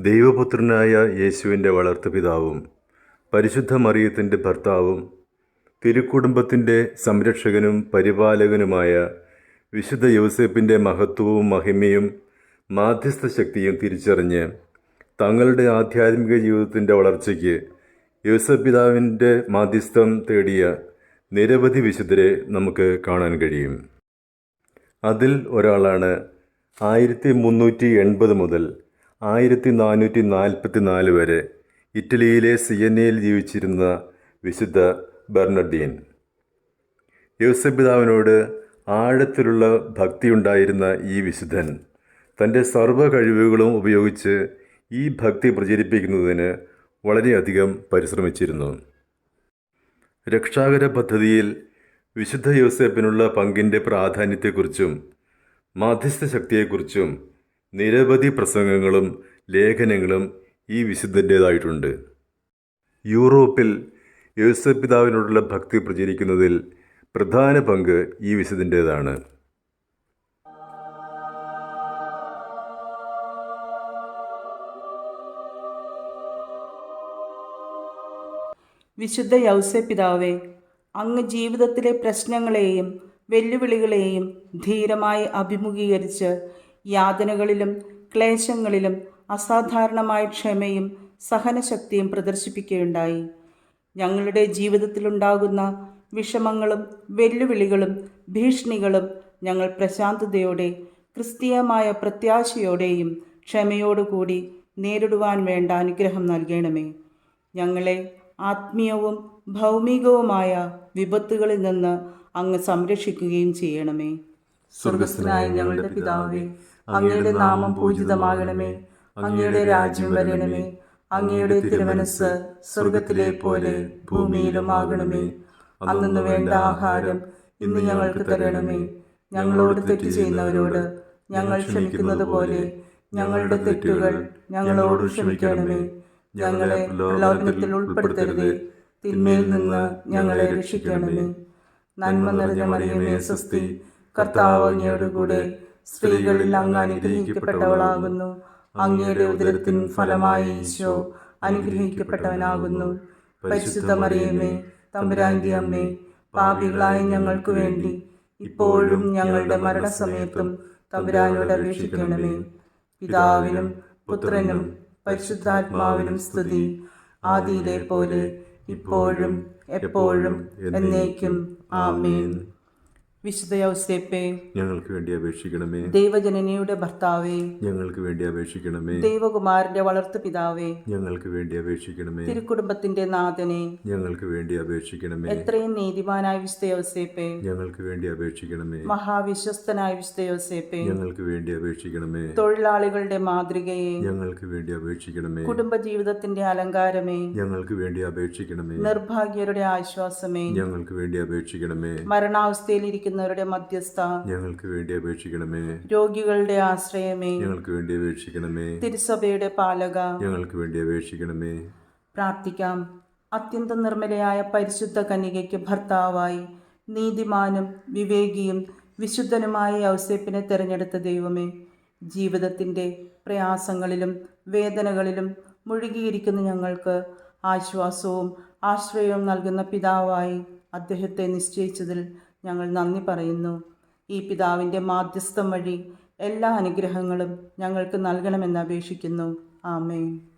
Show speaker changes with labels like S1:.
S1: ദൈവപുത്രനായ യേശുവിൻ്റെ വളർത്തുപിതാവും പരിശുദ്ധ മറിയത്തിൻ്റെ ഭർത്താവും തിരുക്കുടുംബത്തിൻ്റെ സംരക്ഷകനും പരിപാലകനുമായ വിശുദ്ധ യൗസേപ്പിൻ്റെ മഹത്വവും മഹിമയും മാധ്യസ്ഥ ശക്തിയും തിരിച്ചറിഞ്ഞ് തങ്ങളുടെ ആധ്യാത്മിക ജീവിതത്തിൻ്റെ വളർച്ചയ്ക്ക് യൗസേപ്പ് പിതാവിൻ്റെ മാധ്യസ്ഥം തേടിയ നിരവധി വിശുദ്ധരെ നമുക്ക് കാണാൻ കഴിയും. അതിൽ ഒരാളാണ് 1380 മുതൽ 1444 വരെ ഇറ്റലിയിലെ സിയന്നയിൽ ജീവിച്ചിരുന്ന വിശുദ്ധ ബെർണർഡീൻ. യൗസേപ്പ് പിതാവിനോട് ആഴത്തിലുള്ള ഭക്തിയുണ്ടായിരുന്ന ഈ വിശുദ്ധൻ തൻ്റെ സർവ്വ കഴിവുകളും ഉപയോഗിച്ച് ഈ ഭക്തി പ്രചരിപ്പിക്കുന്നതിന് വളരെയധികം പരിശ്രമിച്ചിരുന്നു. രക്ഷാകര പദ്ധതിയിൽ വിശുദ്ധ യൗസേപ്പിനുള്ള പങ്കിൻ്റെ പ്രാധാന്യത്തെക്കുറിച്ചും മാധ്യസ്ഥ ശക്തിയെക്കുറിച്ചും നിരവധി പ്രസംഗങ്ങളും ലേഖനങ്ങളും ഈ വിശുദ്ധൻ്റേതായിട്ടുണ്ട്. യൂറോപ്പിൽ യൗസേപ്പ് പിതാവിനോടുള്ള ഭക്തി പ്രചരിക്കുന്നതിൽ പ്രധാന പങ്ക് ഈ വിശുദ്ധൻ്റേതാണ്.
S2: വിശുദ്ധ യൗസേപ്പ് പിതാവേ, അങ്ങ് ജീവിതത്തിലെ പ്രശ്നങ്ങളെയും വെല്ലുവിളികളെയും ധീരമായി അഭിമുഖീകരിച്ച് യാതനകളിലും ക്ലേശങ്ങളിലും അസാധാരണമായ ക്ഷമയും സഹനശക്തിയും പ്രദർശിപ്പിക്കുകയുണ്ടായി. ഞങ്ങളുടെ ജീവിതത്തിലുണ്ടാകുന്ന വിഷമങ്ങളും വെല്ലുവിളികളും ഭീഷണികളും ഞങ്ങൾ പ്രശാന്തതയോടെ ക്രിസ്തീയമായ പ്രത്യാശയോടെയും ക്ഷമയോടുകൂടി നേരിടുവാൻ വേണ്ട അനുഗ്രഹം നൽകണമേ. ഞങ്ങളെ ആത്മീയവും ഭൗമികവുമായ വിപത്തുകളിൽ നിന്ന് അങ്ങ് സംരക്ഷിക്കുകയും ചെയ്യണമേ. സ്വർഗസ്ഥനായ ഞങ്ങളുടെ പിതാവേ, അങ്ങയുടെ നാമം പൂജിതമാകണമേ. അങ്ങയുടെ രാജ്യം വരണമേ. അങ്ങയുടെ തിരുമനസ്സ് സ്വർഗത്തിലെ പോലെ ഭൂമിയിലും ആകണമേ. അന്നു വേണ്ട ആഹാരം ഇന്ന് ഞങ്ങൾക്ക് തരണമേ. ഞങ്ങളോട് തെറ്റ് ചെയ്യുന്നവരോട് ഞങ്ങൾ ക്ഷമിക്കുന്നത് പോലെ ഞങ്ങളുടെ തെറ്റുകൾ ഞങ്ങളോട് ക്ഷമിക്കണമേ. ഞങ്ങളെ പ്രലോഭനത്തിൽ ഉൾപ്പെടുത്തരുതേ, തിന്മയിൽ നിന്ന് ഞങ്ങളെ രക്ഷിക്കണമേ. നന്മ നിറഞ്ഞ മറിയമേ സ്വസ്തി, കർത്താവ് അങ്ങയോടുകൂടെ സ്ത്രീകളിൽ അങ്ങ് അനുഗ്രഹിക്കപ്പെട്ടവളാകുന്നു. അങ്ങയുടെ ഉദരത്തിൻ ഫലമായി ഈശോ അനുഗ്രഹിക്കപ്പെട്ടവനാകുന്നു. പരിശുദ്ധ മറിയമേ, തമ്പുരാന്റെ അമ്മേ, പാപികളായ ഞങ്ങൾക്ക് വേണ്ടി ഇപ്പോഴും ഞങ്ങളുടെ മരണസമയത്തും തമ്പുരാനോട് അപേക്ഷിക്കണമേ. പിതാവിനും പുത്രനും പരിശുദ്ധാത്മാവിനും സ്തുതി, ആദിയിലെ പോലെ ഇപ്പോഴും എപ്പോഴും എന്നേക്കും ആമേൻ. വിശുദ്ധ യൗസേപ്പേ,
S1: ഞങ്ങൾക്ക് വേണ്ടി അപേക്ഷിക്കണമേ.
S2: ദൈവജനനിയുടെ ഭർത്താവേ,
S1: ഞങ്ങൾക്ക് വേണ്ടി അപേക്ഷിക്കണമേ.
S2: ദൈവകുമാരന്റെ വളർത്തു പിതാവേ,
S1: ഞങ്ങൾക്ക് വേണ്ടി അപേക്ഷിക്കണമേ.
S2: തിരുക്കുടുംബത്തിന്റെ നാഥനെ,
S1: ഞങ്ങൾക്ക് വേണ്ടി അപേക്ഷിക്കണമേ.
S2: എത്രയും നീതിമാനായ വിശുദ്ധ യൗസേപ്പേ,
S1: ഞങ്ങൾക്ക് വേണ്ടി അപേക്ഷിക്കണമേ.
S2: മഹാവിശ്വസ്തനായ വിശുദ്ധ യൗസേപ്പേ,
S1: ഞങ്ങൾക്ക് വേണ്ടി അപേക്ഷിക്കണമേ.
S2: തൊഴിലാളികളുടെ മാതൃകയെ,
S1: ഞങ്ങൾക്ക് വേണ്ടി അപേക്ഷിക്കണമേ.
S2: കുടുംബജീവിതത്തിന്റെ അലങ്കാരമേ,
S1: ഞങ്ങൾക്ക് വേണ്ടി അപേക്ഷിക്കണമേ.
S2: നിർഭാഗ്യരുടെ ആശ്വാസമേ,
S1: ഞങ്ങൾക്ക് വേണ്ടി അപേക്ഷിക്കണമേ.
S2: മരണാവസ്ഥയിലിരിക്കുന്ന മധ്യസ്ഥ,
S1: ഞങ്ങൾക്ക് വേണ്ടി അപേക്ഷിക്കണമേ.
S2: രോഗികളുടെ ആശ്രയമേ,
S1: ഞങ്ങൾക്ക് വേണ്ടി അപേക്ഷിക്കണമേ.
S2: തിരുസഭയുടെ പാലക,
S1: ഞങ്ങൾക്ക് വേണ്ടി അപേക്ഷിക്കണമേ.
S2: പ്രാർത്ഥിക്കാം. അത്യന്തം നിർമ്മലയായ പരിശുദ്ധ കന്യകയ്ക്ക് ഭർത്താവായി നീതിമാനും വിവേകിയും വിശുദ്ധനുമായ യൗസേപ്പിനെ തിരഞ്ഞെടുത്ത ദൈവമേ, ജീവിതത്തിൻ്റെ പ്രയാസങ്ങളിലും വേദനകളിലും മുഴുകിയിരിക്കുന്ന ഞങ്ങൾക്ക് ആശ്വാസവും ആശ്രയവും നൽകുന്ന പിതാവായി അദ്ദേഹത്തെ നിശ്ചയിച്ചതിൽ ഞങ്ങൾ നന്ദി പറയുന്നു. ഈ പിതാവിൻ്റെ മാധ്യസ്ഥം വഴി എല്ലാ അനുഗ്രഹങ്ങളും ഞങ്ങൾക്ക് നൽകണമെന്ന് അപേക്ഷിക്കുന്നു. ആമേൻ.